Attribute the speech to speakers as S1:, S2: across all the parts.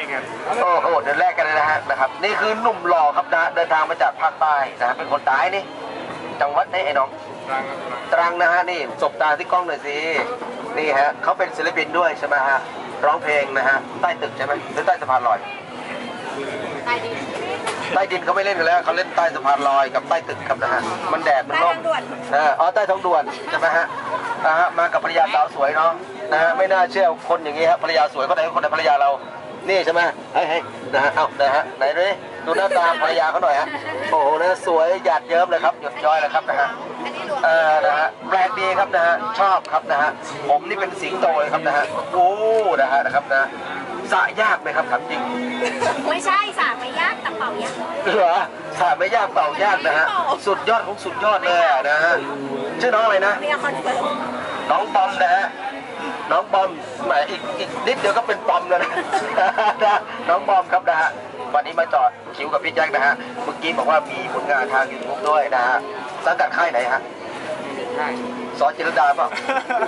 S1: กัน
S2: โอ้โหเดินแรกกันเลยนะครับนี่คือหนุ่มหล่อครับนะเดินทางมาจากภาคใต้นะเป็นคนใต้นี่จังหวัดไหนไอ้น้องตรังนะฮะนี่สบตาที่กล้องหน่อยสินี่ฮะเขาเป็นศิลปินด้วยใช่ไหมฮะร้องเพลงนะฮะใต้ตึกใช่ไหมหรือใต้สะพานลอยใต้ดินเขาไม่เล่นกันแล้วเขาเล่นใต้สะพานลอยกับใต้ตึกครับนะฮะมันแดดมันร่มอ๋อใต้ท้องด่วนใช่ไหมฮะมากับภรรยาสาวสวยเนาะนะฮะไม่น่าเชื่อคนอย่างนี้ครับภรรยาสวยคนไหนคนไหนภรรยาเรานี่ใช่ไหมเฮ้ยนะฮะเอ้านะฮะไหนดูหน้าตาภรรยาเขาหน่อยฮะโอ้โหนะสวยหยาดเยิ้มเลยครับหยดย้อยเลยครับนะฮะนะฮะแปลกดีครับนะฮะชอบครับนะฮะผมนี่เป็นสิงโตเลยครับนะฮะโอ้นะครับนะสระยากไหมครับถามจริง
S3: ไม่ใช่สระไม่ยากแต่เป่ายาก
S2: เหรอสระไม่ยากเป่ายากนะฮะสุดยอดของสุดยอดเลยนะฮะชื่อน้องอะไรนะน้องบอมนะฮะน้องบอมแหมอีกนิดเดียวก็เป็นปอมแล้วนะน้องบอมครับนะฮะวันนี้มาจอดคิวกับพี่แจ็คนะฮะเมื่อกี้บอกว่ามีผลงานทางยูทูบด้วยนะฮะสังกัดค่ายไหนฮะสอนจิรดาเปล่า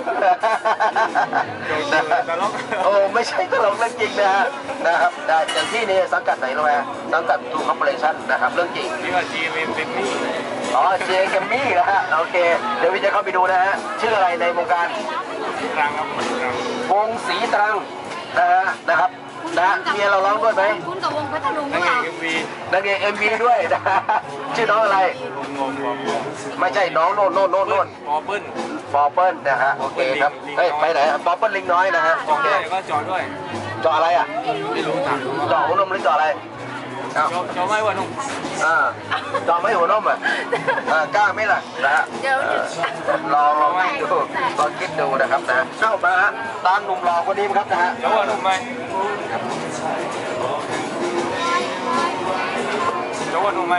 S2: โอ้ไม่ใช่ตลกเรื่องจริงนะครับอย่างที่นี่สังกัดไหนรู้ไหมสังกัดทูคอร์ปอเรชั่นนะครับเรื่องจริง
S1: นี่ว่าจีเอ็มเต็มที่
S2: อ๋อเจเกมมี่นะฮะโอเคเดี๋ยวพี่จะเข้าไปดูนะฮะชื่ออะไรในวงการ
S1: ตรังครับ
S2: วงศรีตรังนะครับเมียเราร้องด้วยไหม
S3: คุณกับวงพัทลุง
S1: นางเอกเอ็มวี
S2: นางเอกเอ็มวีด้วยนะชื่อน้องอะไรไม่ใช่น้องโน่น
S1: ปอเปิ้ล
S2: นะฮะโอเคครับเฮ้ยไปไหนปอเปิ้ลลิงน้อยนะฮะ
S1: โอเคก็จอดด้วย
S2: จออะไรอ่ะ
S1: ไม่รู้จัก
S2: จอหัวนมหรือจออะไร
S1: จอไม่หัวนม
S2: จอไม่หัวนมอ่ะกล้าไหมล่ะนะฮะลองคิดดูลองคิดดูนะครับนะเข้ามาตามหนุ่มหล่อคนนี้ครับนะฮะ
S1: จอหัวนมไหมจอหัวนมไหม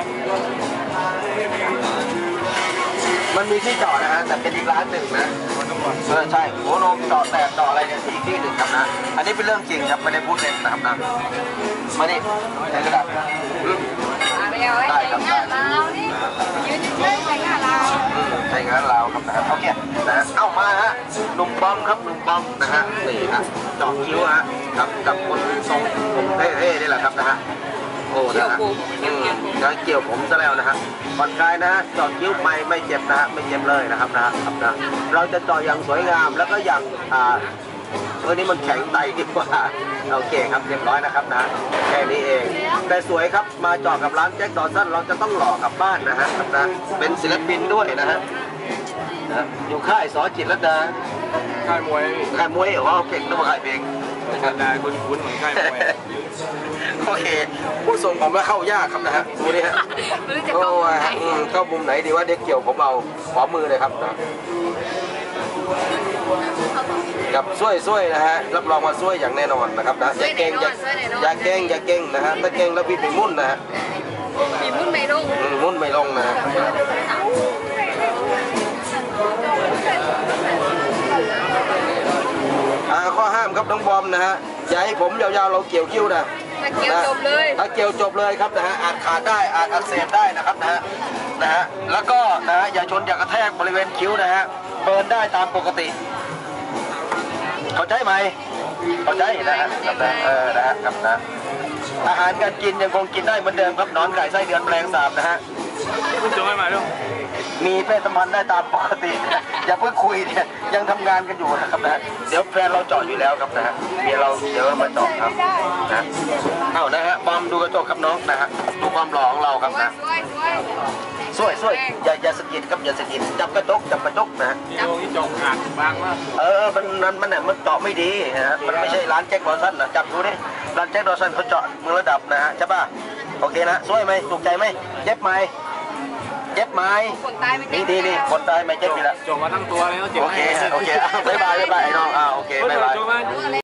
S2: มันมีที่จอดนะฮะแต่เป็นอีกร้านหนึ่งนะใช่หัวนมจอดแต่จอดอะไรเนี่ยที่หนึ่งครับนะอันนี้เป็นเรื่องจริงครับไม่ได้พูดเล่นนะครับนะมานี่ใช้กระดาษได้ครับ
S3: เรานี่ยืนเฉยๆใช้งานเรา
S2: ใช้งานเราครับนะครับโอเคนะเอามาฮะหนุ่มบอมครับหนุ่มบอมนะฮะนี่ฮะจอดคิ้วฮะกับคนทรงผมเท่ๆนี่แหละครับนะฮะโอ้นะฮะเกี่ยวผมซะแล้วนะฮะผ่อนคลายนะฮะจอดคิ้วไม่เจ็บนะฮะไม่เจ็บเลยนะครับนะครับนะเราจะจอดอย่างสวยงามแล้วก็อย่างนี้มันแข็งไตดีกว่าโอเคครับเรียบร้อยนะครับนะแค่นี้เองแต่สวยครับมาจอดกับร้านแจ็คดอสันเราจะต้องหล่อกลับบ้านนะฮะนะเป็นศิลปินด้วยนะฮะอยู่ค่ายสอจิตรลดา
S1: ค่ายมวย
S2: เหรอเก่งต้องมาค่ายเพลง
S1: ได้คุ้นเหมือนค่ายมวย
S2: โอเคผู้ส่งผมแล้วเข้ายากครับนะฮะดูดิฮะโอ้เข้ามุมไหนดีว่าเด็กเกี่ยวผมเอาขอมือเลยครับนะกับช่วยนะฮะรับรองว่าช่วยอย่างแน่นอนนะครับนะอย่าเก่งอย่าเก่งนะฮะถ้าเก่งแล้วพี่ไปมุ่นนะฮะ
S3: มุ่นไม่ล
S2: งนะฮะข้อห้ามครับน้องบอมนะฮะอย่าให้ผมยาวๆเราเกี่ยวคิ้วนะ
S3: ถ้าเกี่ยวจบ
S2: เลยครับนะฮะอาจขาดได้อาจอักเสบได้นะครับนะฮะแล้วก็นะฮะอย่าชนอย่ากระแทกบริเวณคิ้วนะฮะเบิร์นได้ตามปกติเข้าใจไหมเข้าใจนะฮะนะครับนะอาหารการกินยังคงกินได้เหมือนเดิมครับนอนไก่ไส้เดือนแมลงสาบนะฮะ
S1: คุณจะไม่มาด้วย
S2: มีเพศสัมพันธ์ได้ตามปกติอย่าเพิ่งคุยเนี่ยยังทำงานกันอยู่นะครับนะเดี๋ยวแฟนเราจอดอยู่แล้วครับนะฮะเดี๋ยวเรามาจอดครับนะเอานะฮะบอมดูกระจกครับน้องนะฮะดูความหล่อของเราครับนะสวยอย่าสกิดครับอย่าสกิดจับกระจกนะฮะ
S1: นี่จงขาดบางมาก
S2: มันเจาะไม่ดีนะฮะมันไม่ใช่ร้านแจ็คดอสันนะจับดูดิร้านแจ็คดอสันเขาเจาะมือระดับนะฮะใช่ป่ะโอเคนะสวยไหมถูกใจไหมเจ็บไหม
S3: คนตายไม่เจ็บ
S2: นี่คนตายไม่เจ็บอยู่แล้ว
S1: จบมาทั้งตัวเลย
S2: โอเคบ๊ายบายไอ้น้องโอเคบ๊ายบาย